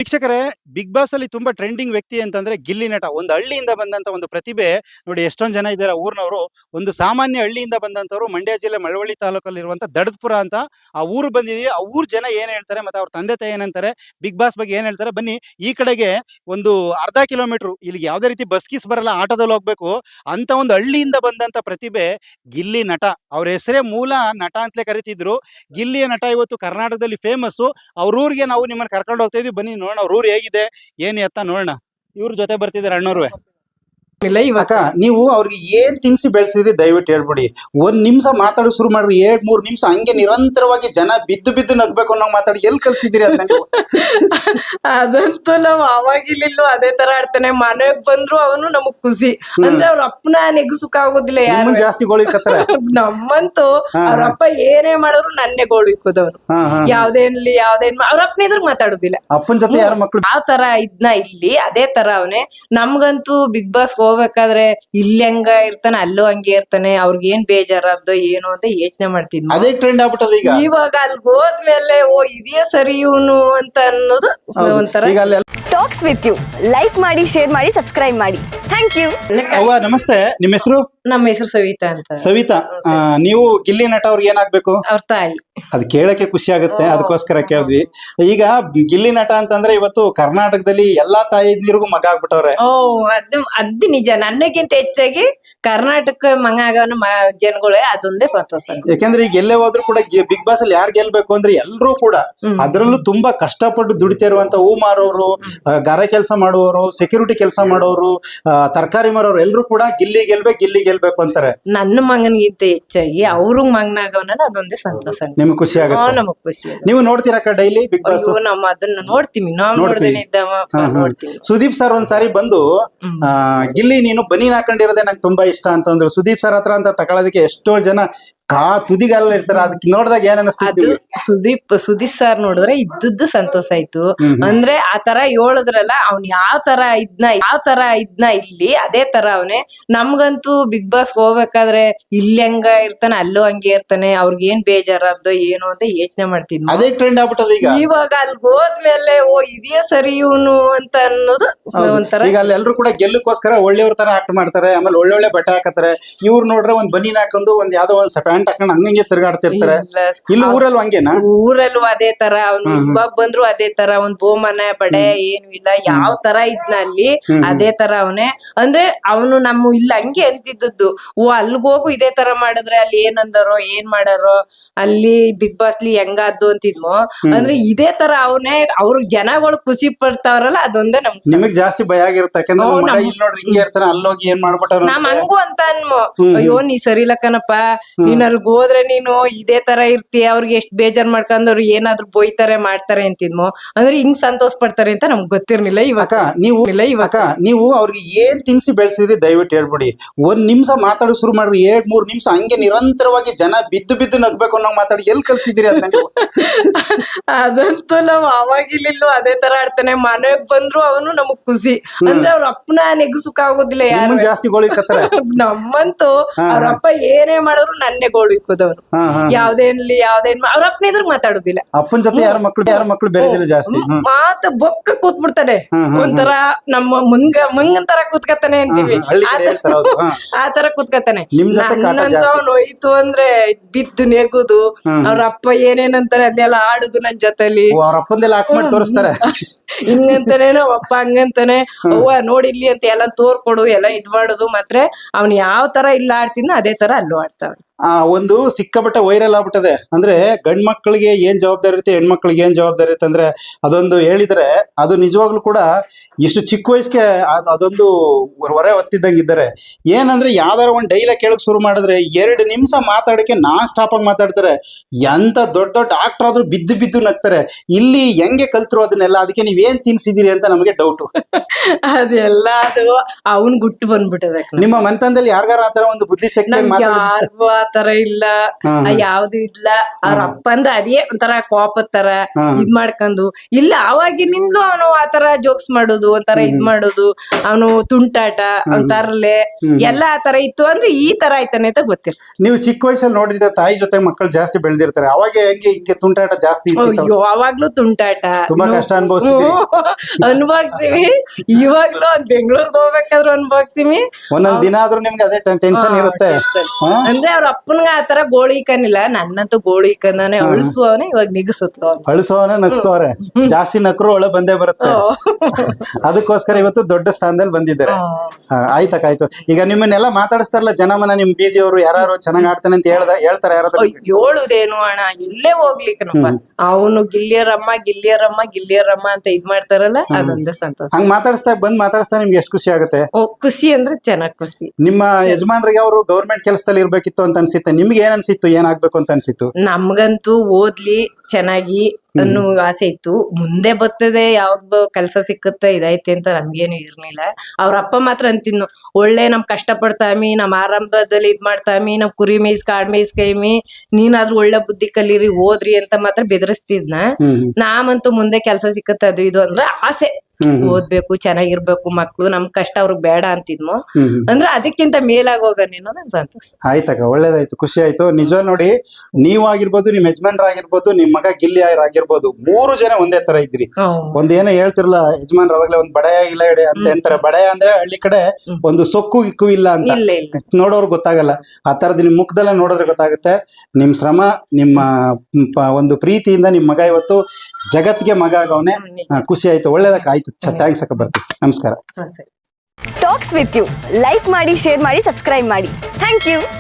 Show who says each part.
Speaker 1: ವೀಕ್ಷಕರೇ, big boss ಅಲ್ಲಿ ತುಂಬಾ ಟ್ರೆಂಡಿಂಗ್ ವ್ಯಕ್ತಿ ಅಂತಂದ್ರೆ ಗಿಲ್ಲಿ ನಟ. ಒಂದು ಹಳ್ಳಿಯಿಂದ ಬಂದಂತ ಒಂದು ಪ್ರತಿಭೆ ನೋಡಿ. ಎಷ್ಟೊಂದು ಜನ ಇದ್ದಾರೆ ಊರಿನವರು. ಒಂದು ಸಾಮಾನ್ಯ ಹಳ್ಳಿಯಿಂದ ಬಂದಂತವರು ಮಂಡ್ಯ ಜಿಲ್ಲೆ ಮಳವಳ್ಳಿ ತಾಲೂಕಲ್ಲಿರುವಂತ ದಡದ್ಪುರ ಅಂತ ಆ ಊರು ಬಂದಿದೀವಿ. ಆ ಊರ್ ಜನ ಏನ್ ಹೇಳ್ತಾರೆ ಮತ್ತೆ ಅವ್ರ ತಂದೆ ತಾಯಿ ಏನಂತಾರೆ, ಬಿಗ್ ಬಾಸ್ ಬಗ್ಗೆ ಏನ್ ಹೇಳ್ತಾರೆ, ಬನ್ನಿ. ಈ ಕಡೆಗೆ ಒಂದು ಅರ್ಧ ಕಿಲೋಮೀಟರ್ ಇಲ್ಲಿಗೆ ಯಾವುದೇ ರೀತಿ ಬಸ್ ಗೀಸ್ ಬರಲ್ಲ, ಆಟೋದಲ್ಲಿ ಹೋಗ್ಬೇಕು ಅಂತ ಒಂದು ಹಳ್ಳಿಯಿಂದ ಬಂದಂತ ಪ್ರತಿಭೆ ಗಿಲ್ಲಿ ನಟ. ಅವ್ರ ಹೆಸರೇ ಮೂಲ ನಟ ಅಂತಲೇ ಕರಿತಿದ್ರು. ಗಿಲ್ಲಿಯ ನಟ ಇವತ್ತು ಕರ್ನಾಟಕದಲ್ಲಿ ಫೇಮಸ್. ಅವ್ರ ಊರಿಗೆ ನಾವು ನಿಮ್ಮನ್ನ ಕರ್ಕೊಂಡು ಹೋಗ್ತಾ ಇದೀವಿ. ಬನ್ನಿ ನೋಡೋಣ ಅವ್ರ ಊರು ಹೇಗಿದೆ ಏನು ಎತ್ತ ನೋಡೋಣ. ಇವ್ರ ಜೊತೆ ಬರ್ತಿದ್ದಾರೆ ಅಣ್ಣವ್ರು. ಅಕ್ಕ, ನೀವು ಅವ್ರಿಗೆ ಏನ್ ತಿನ್ಸಿ ಬೆಳೆಸಿದ್ರಿ ದಯವಿಟ್ಟು ಹೇಳ್ಬಿಡಿ. ಒಂದ್ ನಿಮಿಷ ಮಾತಾಡೋ ಶುರು ಮಾಡ್ರಿ, 2-3 ನಿಮಿಷ ಹಂಗೆ ನಿರಂತರವಾಗಿ ಜನ ಬಿದ್ದು ಬಿದ್ದು ನಗ್ಬೇಕು ಅನ್ನೋ ಮಾತಾಡಿ ಎಲ್ಲಿ ಕಲ್ಸಿದಿರಿ ಅಂತ ನೀವು?
Speaker 2: ಅದಂತೂ ನಾವ್ ಅವಾಗಿಲ್ಲೂ ಅದೇ ತರ ಆಡ್ತಾನೆ. ಮನೆಗ್ ಬಂದ್ರು ಅವನು ನಮಗ್ ಖುಷಿ. ಅಂದ್ರೆ ಅವ್ರ ಅಪ್ಪನ ನೆಗಸುಕ್ ಆಗೋದಿಲ್ಲ ಯಾರು.
Speaker 1: ಜಾಸ್ತಿ ಗೋಳಿಕತ್ತರ
Speaker 2: ನಮ್ಮಂತೂ ಅವ್ರ ಅಪ್ಪ ಏನೇ ಮಾಡಿದ್ರು ನನ್ನೇ ಗೋಳಿಕೋದವ್ರು. ಯಾವ್ದೇನ್ಲಿ ಅವ್ರ ಅಪ್ಪನ ಎದುರು ಮಾತಾಡುದಿಲ್ಲ.
Speaker 1: ಅಪ್ಪನ ಜೊತೆ ಯಾರ ಮಕ್ಳು
Speaker 2: ಆ ತರ ಇದ್ನ ಇಲ್ಲಿ ಅದೇ ತರ ಅವನೇ. ನಮ್ಗಂತೂ ಬಿಗ್ ಬಾಸ್ ಹೋಗ್ಬೇಕಾದ್ರೆ ಇಲ್ಲಿ ಹಂಗ ಇರ್ತಾನೆ, ಅಲ್ಲೂ ಹಂಗೆ ಇರ್ತಾನೆ. ಅವ್ರಿಗೆ ಏನ್ ಬೇಜಾರದ್ದು ಏನು ಅಂತ ಯೋಚನೆ ಮಾಡ್ತಿದ್ವಿ.
Speaker 1: ಅದೇ ಟ್ರೆಂಡ್ ಆಗ್ಬಿಟ್ಟದ ಈಗ.
Speaker 2: ಇವಾಗ ಅಲ್ಲಿ ಹೋದ್ಮೇಲೆ ಓ ಇದೇ ಸರಿ ಇವನು ಅಂತ ಅನ್ನೋದು ಒಂಥರ.
Speaker 3: ಟಾಕ್ಸ್ ವಿತ್ ಯು ಲೈಕ್ ಮಾಡಿ, ಶೇರ್ ಮಾಡಿ, ಸಬ್ಸ್ಕ್ರೈಬ್ ಮಾಡಿ. Thank you.
Speaker 1: ಅವ್ವ ನಮಸ್ತೆ. ನಿಮ್ಮ ಹೆಸರು?
Speaker 2: ನಮ್ಮ ಹೆಸರು ಸವಿತಾ ಅಂತ.
Speaker 1: ಸವಿತಾ, ನೀವು ಗಿಲ್ಲಿ ನಟ ಅವ್ರಿಗೆ ಏನಾಗ್ಬೇಕು?
Speaker 2: ಅವ್ರ ತಾಯಿ.
Speaker 1: ಅದ್ ಕೇಳಕ್ಕೆ ಖುಷಿ ಆಗುತ್ತೆ, ಅದಕ್ಕೋಸ್ಕರ ಕೇಳಿದ್ವಿ. ಈಗ ಗಿಲ್ಲಿ ನಟ ಅಂತಂದ್ರೆ ಇವತ್ತು ಕರ್ನಾಟಕದಲ್ಲಿ ಎಲ್ಲಾ ತಾಯಿದಿರಿಗೂ ಮಗ ಆಗ್ಬಿಟ್ಟವ್ರೆ.
Speaker 2: ಓ ಅದು ನಿಜ. ನನಗಿಂತ ಹೆಚ್ಚಾಗಿ ಕರ್ನಾಟಕ ಮಗ ಆಗವನ ಜನಗಳೇ ಅದೊಂದೇ ಸಂತೋಷ.
Speaker 1: ಯಾಕಂದ್ರೆ ಈಗ ಎಲ್ಲೇ ಹೋದ್ರು ಕೂಡ ಬಿಗ್ ಬಾಸ್ ಅಲ್ಲಿ ಯಾರು ಗೆಲ್ಬೇಕು ಅಂದ್ರೆ ಎಲ್ರೂ ಕೂಡ ಅದ್ರಲ್ಲೂ ತುಂಬಾ ಕಷ್ಟಪಟ್ಟು ದುಡಿತಾ ಇರುವಂತ ಹೂ ಮಾರೋರು, ಗಾರೆ ಕೆಲಸ ಮಾಡುವವರು, ಸೆಕ್ಯೂರಿಟಿ ಕೆಲಸ ಮಾಡೋರು, ತರಕಾರಿ ಮಾರೋರು ಎಲ್ಲರೂ ಕೂಡ ಗಿಲ್ಲಿ ಗೆಲ್ಬೇಕು ಅಂತಾರೆ.
Speaker 2: ನನ್ನ ಮಗನಿಗಿಂತ ಹೆಚ್ಚಾಗಿ ಅವ್ರಿಗೆ ಮಗನಾಗವನ ಅದೊಂದೇ ಸಂತೋಷ.
Speaker 1: ನಿಮ್ಗೆ ಖುಷಿ ಆಗುತ್ತೆ?
Speaker 2: ನಮಗ್ ಖುಷಿ.
Speaker 1: ನೀವು ನೋಡ್ತೀರಕ್ಕ ಡೈಲಿ ಬಿಗ್ ಬಾಸ್?
Speaker 2: ನಮ್ಮ ಅದನ್ನ ನೋಡ್ತೀವಿ. ನಾವು ನೋಡ್ದೇನೆ ನೋಡ್ತೀವಿ.
Speaker 1: ಸುದೀಪ್ ಸರ್ ಒಂದ್ಸಾರಿ ಬಂದು ಗಿಲ್ಲಿ ನೀನು ಬನೀನ್ ಹಾಕೊಂಡಿರೋದೇ ನಂಗೆ ತುಂಬಾ ಇಷ್ಟ ಅಂತಂದ್ರು. ಸುದೀಪ್ ಸರ್ ಹತ್ರ ಅಂತ ತಗೊಳೋದಕ್ಕೆ ಎಷ್ಟೋ ಜನ ತುದಿಗಾಲ ಇರ್ತಾರ. ಅದಕ್ಕೆ ನೋಡಿದಾಗ ಏನ್ ಅನಿಸ್ತಿತ್ತು?
Speaker 2: ಸುದೀಪ್ ಸರ್ ನೋಡಿದ್ರೆ ಇದ್ದದ್ದು ಸಂತೋಷ ಆಯ್ತು. ಅಂದ್ರೆ ಆ ತರ ಹೇಳಿದ್ರಲ್ಲ, ಅವ್ನ್ ಯಾವ ತರ ಇದ್ನ ಇಲ್ಲಿ ಅದೇ ತರ ಅವನೇ. ನಮ್ಗಂತೂ ಬಿಗ್ ಬಾಸ್ ಹೋಗ್ಬೇಕಾದ್ರೆ ಇಲ್ಲಿ ಹಂಗ ಇರ್ತಾನೆ, ಅಲ್ಲೂ ಹಂಗೆ ಇರ್ತಾನೆ. ಅವ್ರಿಗೆ ಏನ್ ಬೇಜಾರದ್ದು ಏನು ಅಂತ ಯೋಚನೆ ಮಾಡ್ತಿದ್ವಿ.
Speaker 1: ಅದೇ ಟ್ರೆಂಡ್ ಆಗ್ಬಿಟ್ಟದ ಈಗ.
Speaker 2: ಇವಾಗ ಅಲ್ಲಿ ಹೋದ್ಮೇಲೆ ಓ ಇದೇ ಸರಿ ಇವನು ಅಂತ ಅನ್ನೋದು ಒಂಥರ.
Speaker 1: ಈಗ ಅಲ್ಲಿ ಎಲ್ರು ಕೂಡ ಗೆಲ್ಲಕ್ಕೋಸ್ಕರ ಒಳ್ಳೆಯವ್ರ ತರ ಆಕ್ಟ್ ಮಾಡ್ತಾರೆ. ಆಮೇಲೆ ಒಳ್ಳೊಳ್ಳೆ ಬಟ್ಟೆ ಹಾಕತಾರೆ. ಇವ್ರು ನೋಡ್ರೆ ಒಂದ್ ಬನೀನ್ ಹಾಕೊಂಡು ಒಂದ್ ಯಾವ್ದೋ ಒಂದ್ ಪ್ಯಾಂಟ್ ಹಾಕೊಂಡು ಹಂಗಂಗೆ ತಿರ್ಗಾಡ್ತಿರ್ತಾರೆ. ಇಲ್ಲಿ ಊರಲ್ಲೂ ಹಂಗೇನಾ?
Speaker 2: ಊರಲ್ಲೂ ಅದೇ ತರ. ಅವ್ನು ಇವಾಗ ಬಂದ್ರು ಅದೇ ತರ. ಒಂದ್ ಬೋಮನೆ ಬಡೆ ಏನು ಇಲ್ಲ, ಯಾವ ತರ ಇದ್ನ ಅಲ್ಲಿ ಅದೇ ತರ ಅವನೇ. ಅಂದ್ರೆ ಅವನು ನಮ್ಮ ಇಲ್ಲ ಹಂಗೆ ಅಂತಿದ್ದದ್ದು. ಓ ಅಲ್ಗ್ ಹೋಗು ಇದೇ ತರ ಮಾಡಿದ್ರೆ ಅಲ್ಲಿ ಏನಂದಾರೋ ಏನ್ ಮಾಡಾರೋ, ಅಲ್ಲಿ ಬಿಗ್ ಬಾಸ್ಲಿ ಹೆಂಗಾದ್ದು ಅಂತಿದ್ಮೋ. ಅಂದ್ರೆ ಇದೇ ತರ ಅವನೇ. ಅವ್ರ ಜನಗಳು ಖುಷಿ ಪಡ್ತಾವ್ರಲ್ಲ, ಅದೊಂದೇ ನಮ್ಗೆ.
Speaker 1: ನಿಮಗ್ ಜಾಸ್ತಿ ಭಯ ಆಗಿರುತ್ತೆ, ಯಾಕಂದ್ರೆ ನೋಡ್ರಿ ಹಿಂಗೆ ಇರ್ತಾನೆ, ಅಲ್ಲೋಗಿ ಏನ್ ಮಾಡ್ಬಿಟ್ಟಾರ.
Speaker 2: ನಮ್ ಹಂಗು ಅಂತ ಅನ್ಮೋ. ಅಯ್ಯೋ ನೀ ಸರಿ ಇಲ್ಲ ಕಣಪ್ಪ, ನೀನ್ ಅಲ್ಗ್ ಹೋದ್ರೆ ನೀನು ಇದೇ ತರ ಇರ್ತೀಯ, ಅವ್ರಿಗೆ ಎಷ್ಟ್ ಬೇಜಾರ್ ಮಾಡ್ಕೊಂಡವ್ರು ಏನಾದ್ರು ಬೊಯ್ತಾರೆ ಮಾಡ್ತಾರೆ ಅಂತಿದ್ಮೋ. ಅಂದ್ರೆ ಹಿಂಗ್ ಸಂತೋಷ ಪಡ್ತಾರೆ ಅಂತ ನಮ್ಗೆ ಗೊತ್ತಿರ್ಲಿಲ್ಲ. ಇವಾಗ
Speaker 1: ನೀವು ಅವ್ರಿಗೆ ಏನ್ ತಿನ್ಸಿ ಬೆಳೆಸಿದ್ರಿ ದಯವಿಟ್ಟು ಹೇಳ್ಬಿಡಿ. ಒಂದ್ ನಿಮಿಷ ಮಾತಾಡೋ ಶುರು ಮಾಡ್ರಿ, 2-3 ನಿಮಿಷ ಹಂಗೆ ನಿರಂತರವಾಗಿ ಜನ ಬಿದ್ದು ಬಿದ್ದು ನಗ್ಬೇಕು ಅನ್ನೋ ಮಾತಾಡಿ ಎಲ್ಲಿ ಕಲ್ಸಿದಿರಿ ಅಂತ ನೀವು?
Speaker 2: ಅದಂತೂ ನಾವ್ ಅವಾಗಿಲ್ಲೂ ಅದೇ ತರ ಆಡ್ತಾನೆ. ಮನೆಗ್ ಬಂದ್ರು ಅವನು ನಮಗ್ ಖುಷಿ. ಅಂದ್ರೆ ಅವ್ರ ಅಪ್ಪನ ನೆಗಸುಕ್ ಆಗೋದಿಲ್ಲ ಯಾರು.
Speaker 1: ಜಾಸ್ತಿ ಗೋಳಿಕತ್ತರ.
Speaker 2: ನಮ್ಮಂತೂ ಅವ್ರ ಅಪ್ಪ ಏನೇ ಮಾಡಿದ್ರು ನನ್ನೇ ಗೋಳಿಕೋದವ್ರು. ಯಾವ್ದೇನ್ಲಿ ಅವ್ರ ಅಪ್ಪನ ಎದುರು ಮಾತಾಡುದಿಲ್ಲ.
Speaker 1: ಅಪ್ಪನ ಜೊತೆ ಯಾರ ಮಕ್ಳು ಬೇರೆದಿಲ್ಲ ಜಾಸ್ತಿ.
Speaker 2: ಮಾತ ಬೊಕ್ಕ ಕೂತ್ಬಿಡ್ತಾನೆ. ಒಂಥರ ನಮ್ಮ ಮಂಗನ್ ತರ ಕೂತ್ಕತಾನೆ ಅಂತೀವಿ, ಆ ತರ ಕೂತ್ಕತಾನೆ. ನನ್ನಂತ ಅವ್ನು ಹೋಯ್ತು ಅಂದ್ರೆ ಬಿದ್ದು ನೆಗುದು, ಅವ್ರ ಅಪ್ಪ ಏನೇನಂತಾರೆ ಅದನ್ನೆಲ್ಲ ಆಡುದು ನನ್ ಜೊತೆಲಿ.
Speaker 1: ಅವ್ರ ಅಪ್ಪಂದೆಲ್ಲ ಹಾಕ್ ಮಾಡಿ ತೋರಿಸ್ತಾರೆ.
Speaker 2: ಹಿಂಗಂತಾನೆ ನಾವ್ ಅಪ್ಪ ಹಂಗಂತಾನೆ, ಅವ್ವ ನೋಡಿಲ್ಲಿ ಅಂತ ಎಲ್ಲ ತೋರ್ಕೊಡು, ಎಲ್ಲ ಇದ್ ಮಾಡುದು. ಮಾತ್ರ ಅವ್ನ್ ಯಾವ ತರ ಇಲ್ಲ ಆಡ್ತಿದ್ನ ಅದೇ ತರ ಅಲ್ಲೂ ಆಡ್ತಾವ.
Speaker 1: ಒಂದು ಸಿಕ್ಕಾಪಟ್ಟೆ ವೈರಲ್ ಆಗ್ಬಿಟ್ಟದೆ. ಅಂದ್ರೆ ಗಂಡ್ ಮಕ್ಳಿಗೆ ಏನ್ ಜವಾಬ್ದಾರಿ ಇರುತ್ತೆ, ಹೆಣ್ಮಕ್ಳಿಗೆ ಏನ್ ಜವಾಬ್ದಾರಿ ಇರುತ್ತೆ ಅಂದ್ರೆ ಅದೊಂದು ಹೇಳಿದ್ರೆ ಅದು ನಿಜವಾಗ್ಲೂ ಕೂಡ ಇಷ್ಟು ಚಿಕ್ಕ ವಯಸ್ಸಿಗೆ ಅದೊಂದು ಹೊರೆ ಹೊತ್ತಿದ್ದಂಗಿದ್ದಾರೆ. ಏನಂದ್ರೆ ಯಾವ್ದಾರ ಒಂದ್ ಡೈಲಾಗ್ ಕೇಳಕ್ ಶುರು ಮಾಡಿದ್ರೆ 2 ನಿಮಿಷ ಮಾತಾಡಕ್ಕೆ ನಾನ್ ಸ್ಟಾಪ್ ಆಗಿ ಮಾತಾಡ್ತಾರೆ. ಎಂತ ದೊಡ್ಡ ಆಕ್ಟರ್ ಆದ್ರೂ ಬಿದ್ದು ನಗ್ತಾರೆ. ಇಲ್ಲಿ ಹೆಂಗೆ ಕಲ್ತ್ರು ಅದನ್ನೆಲ್ಲ? ಅದಕ್ಕೆ ನೀವೇನ್ ತಿನ್ಸಿದಿರಿ ಅಂತ ನಮಗೆ ಡೌಟ್.
Speaker 2: ಅದೆಲ್ಲ ಅದು ಅವನ್ ಗುಟ್ಟು ಬಂದ್ಬಿಟ್ಟದೆ.
Speaker 1: ನಿಮ್ಮ ಮನೆತನದಲ್ಲಿ ಯಾರಿಗಾರ ಆತರ ಒಂದು ಬುದ್ಧಿಶಕ್ತಿ?
Speaker 2: ಯಾರಿಗೂ ಆತರ ಇಲ್ಲ, ಯಾವ್ದು ಇಲ್ಲ. ಅವ್ರ ಅಪ್ಪಂದ ಅದೇ ಒಂಥರ ಕೋಪದ ತರ ಇದ್ ಮಾಡ್ಕೊಂಡು ಇಲ್ಲ. ಅವಾಗಿನಿಂದ ಅವನು ಆತರ ಜೋಕ್ಸ್ ಮಾಡೋದು, ಒಂಥರ ಇದ್ ಮಾಡೋದು, ಅವನು ತುಂಟಾಟ, ಅವ್ನ್ ತರ್ಲೆ ಎಲ್ಲ ಆತರ ಇತ್ತು ಅಂದ್ರೆ ಈ ತರ ಆಯ್ತಾನೆ ಅಂತ ಗೊತ್ತಿಲ್ಲ.
Speaker 1: ನೀವು ಚಿಕ್ಕ ವಯಸ್ಸಲ್ಲಿ ನೋಡಿದ್ರೆ ತಾಯಿ ಜೊತೆ ಮಕ್ಕಳು ಜಾಸ್ತಿ ಬೆಳೆದಿರ್ತಾರೆ, ಅವಾಗ ಹೆಂಗೆ ಹಿಂಗೆ ತುಂಟಾಟ ಜಾಸ್ತಿ ಇರ್ತಿತ್ತು?
Speaker 2: ಅಯ್ಯೋ ಅವಾಗ್ಲೂ ತುಂಟಾಟ
Speaker 1: ತುಂಬಾ ಕಷ್ಟ ಅನುಭವಿಸಿದ್ರಿ?
Speaker 2: ಅನ್ಭೋಗ್ಸಿವಿ. ಇವಾಗ್ಲೂ ಒಂದ್ ಬೆಂಗ್ಳೂರ್ಗ್ ಹೋಗ್ಬೇಕಾದ್ರು ಅನ್ಭೋಗ್ಸಿವಿ.
Speaker 1: ಒಂದೊಂದ್ ದಿನ ಆದ್ರೂ ನಿಮ್ಗೆ ಅದೇ ಟೆನ್ಷನ್ ಇರುತ್ತೆ.
Speaker 2: ಅಂದ್ರೆ ಅವ್ರ ಅಪ್ಪನ್ಗ ಆತರ ಗೋಳು ಇಕ್ಕನಿಲ್ಲ, ನನ್ನಂತೂ ಗೋಳು ಇಕ್ಕಂದಾನೆ ಅಳಿಸುವವನೇ ಇವಾಗ ನಿಗಸುತ್ತ.
Speaker 1: ಅಳಿಸೋನೆ ನಗ್ಸೋರೆ, ಜಾಸ್ತಿ ನಕ್ರು ಒಳ ಬಂದೇ ಬರುತ್ತೆ. ಅದಕ್ಕೋಸ್ಕರ ಇವತ್ತು ದೊಡ್ಡ ಸ್ಥಾನದಲ್ಲಿ ಬಂದಿದ್ದಾರೆ. ಆಯ್ತಕ್ಕ, ಆಯ್ತು. ಈಗ ನಿಮ್ಮನ್ನೆಲ್ಲ ಮಾತಾಡಿಸ್ತಾರಲ್ಲ ಜನಮನ, ನಿಮ್ ಬೀದಿಯವರು ಯಾರು ಚೆನ್ನಾಗ್ ಆಡ್ತಾನೆ ಅಂತ ಹೇಳ್ತಾರೆ ಯಾರಾದ್ರೂ?
Speaker 2: ಹೇಳುದೇನು ಅಣ್ಣ, ಇಲ್ಲೇ ಹೋಗ್ಲಿಕ್ಕನಪ್ಪ. ಅವನು ಗಿಲ್ಲಿಯರಮ್ಮ ಗಿಲ್ಲಿಯರಮ್ಮ ಗಿಲ್ಲಿಯರಮ್ಮ ಅಂತ ಇದ್ ಮಾಡ್ತಾರಲ್ಲ, ಅದೊಂದೇ ಸಂತೋಷ.
Speaker 1: ಹಂಗ್ ಬಂದ್ ಮಾತಾಡಿಸ್ತಾ ನಿಮ್ಗೆ ಎಷ್ಟು ಖುಷಿ ಆಗುತ್ತೆ?
Speaker 2: ಖುಷಿ ಅಂದ್ರೆ ಚೆನ್ನಾಗ್ ಖುಷಿ.
Speaker 1: ನಿಮ್ಮ ಯಜಮಾನ್ರಿಗೆ ಅವರು ಗೌರ್ಮೆಂಟ್ ಕೆಲಸದಲ್ಲಿ ಇರ್ಬೇಕಿತ್ತು ಅಂತ ಅನ್ಸಿತ್ತೆ, ನಿಮ್ಗೆ ಏನ್ ಅನ್ಸಿತ್ತು, ಏನಾಗ್ಬೇಕು ಅಂತ ಅನ್ಸಿತ್ತು?
Speaker 2: ನಮ್ಗಂತೂ ಓದ್ಲಿ ಚೆನ್ನಾಗಿ ಅನ್ನೋ ಆಸೆ ಇತ್ತು. ಮುಂದೆ ಬರ್ತದೆ ಯಾವ್ದು ಕೆಲ್ಸ ಸಿಕ್ಕುತ್ತೆ ಇದೈತೆ ಅಂತ ನಮ್ಗೇನು ಇರ್ಲಿಲ್ಲ. ಅವ್ರ ಅಪ್ಪ ಮಾತ್ರ ಅಂತಿದ್ನು, ಒಳ್ಳೆ ನಮ್ ಕಷ್ಟ ಪಡ್ತಾಮಿ, ನಮ್ ಆರಂಭದಲ್ಲಿ ಇದ್ ಮಾಡ್ತಾಮಿ, ನಮ್ ಕುರಿ ಮೇಯ್ಸ್ ಕಾಡ್ ಮೇಯ್ಸ್ ಕೈಮಿ, ನೀನಾದ್ರೂ ಒಳ್ಳೆ ಬುದ್ಧಿ ಕಲೀರಿ ಓದ್ರಿ ಅಂತ ಮಾತ್ರ ಬೆದರಿಸ್ತಿದ್ನ. ನಾವಂತೂ ಮುಂದೆ ಕೆಲ್ಸ ಸಿಕ್ಕತ್ತೆ ಅದು ಇದು ಅಂದ್ರೆ ಆಸೆ, ಓದ್ಬೇಕು ಚೆನ್ನಾಗಿರ್ಬೇಕು ಮಕ್ಳು, ನಮ್ ಕಷ್ಟ ಅವ್ರಿಗೆ ಬೇಡ ಅಂತಿದ್ಮು. ಅಂದ್ರೆ ಅದಕ್ಕಿಂತ ಮೇಲಾಗೋಗನ್ ಅನ್ನೋದು ಸಂತೋಷ.
Speaker 1: ಆಯ್ತಕ್ಕ, ಒಳ್ಳೇದಾಯ್ತು, ಖುಷಿ ಆಯ್ತು. ನಿಜ ನೋಡಿ, ನೀವು ಆಗಿರ್ಬೋದು, ನಿಮ್ ಯಜಮಾನ್ರ ಆಗಿರ್ಬೋದು, ನಿಮ್ ಮಗ ಗಿಲ್ಲಿ ಆಗಿರ್ಬೋದು, 3 ಜನ ಒಂದೇ ತರ ಇದ್ರಿ. ಒಂದೇನೋ ಹೇಳ್ತಿರಲ್ಲ ಯಜಮಾನ್ರ, ಅವಾಗ್ಲೇ ಒಂದ್ ಬಡಯ ಇಲ್ಲ ಎಡೆ ಅಂತ ಹೇಳ್ತಾರೆ. ಬಡಯ ಅಂದ್ರೆ ಹಳ್ಳಿ ಕಡೆ ಒಂದು ಸೊಕ್ಕು ಇಕ್ಕು ಇಲ್ಲ ಅಂತ, ನೋಡೋರು ಗೊತ್ತಾಗಲ್ಲ. ಆ ತರದ್ ನಿಮ್ ಮುಖದಲ್ಲ ನೋಡಿದ್ರೆ ಗೊತ್ತಾಗುತ್ತೆ. ನಿಮ್ ಶ್ರಮ, ನಿಮ್ಮ ಒಂದು ಪ್ರೀತಿಯಿಂದ ನಿಮ್ ಮಗ ಇವತ್ತು ಜಗತ್ಗೆ ಮಗ ಆಗವನೆ. ಖುಷಿ ಆಯ್ತು, ಒಳ್ಳೇದಕ್ಕ. ಆಯ್ತು, ಥ್ಯಾಂಕ್ಸ್ ಅಕ್ಕ, ಬರ್ತೀವಿ, ನಮಸ್ಕಾರ.
Speaker 3: ಟಾಕ್ಸ್ ವಿತ್ ಯು ಲೈಕ್ ಮಾಡಿ, ಶೇರ್ ಮಾಡಿ, ಸಬ್ಸ್ಕ್ರೈಬ್ ಮಾಡಿ. Thank you.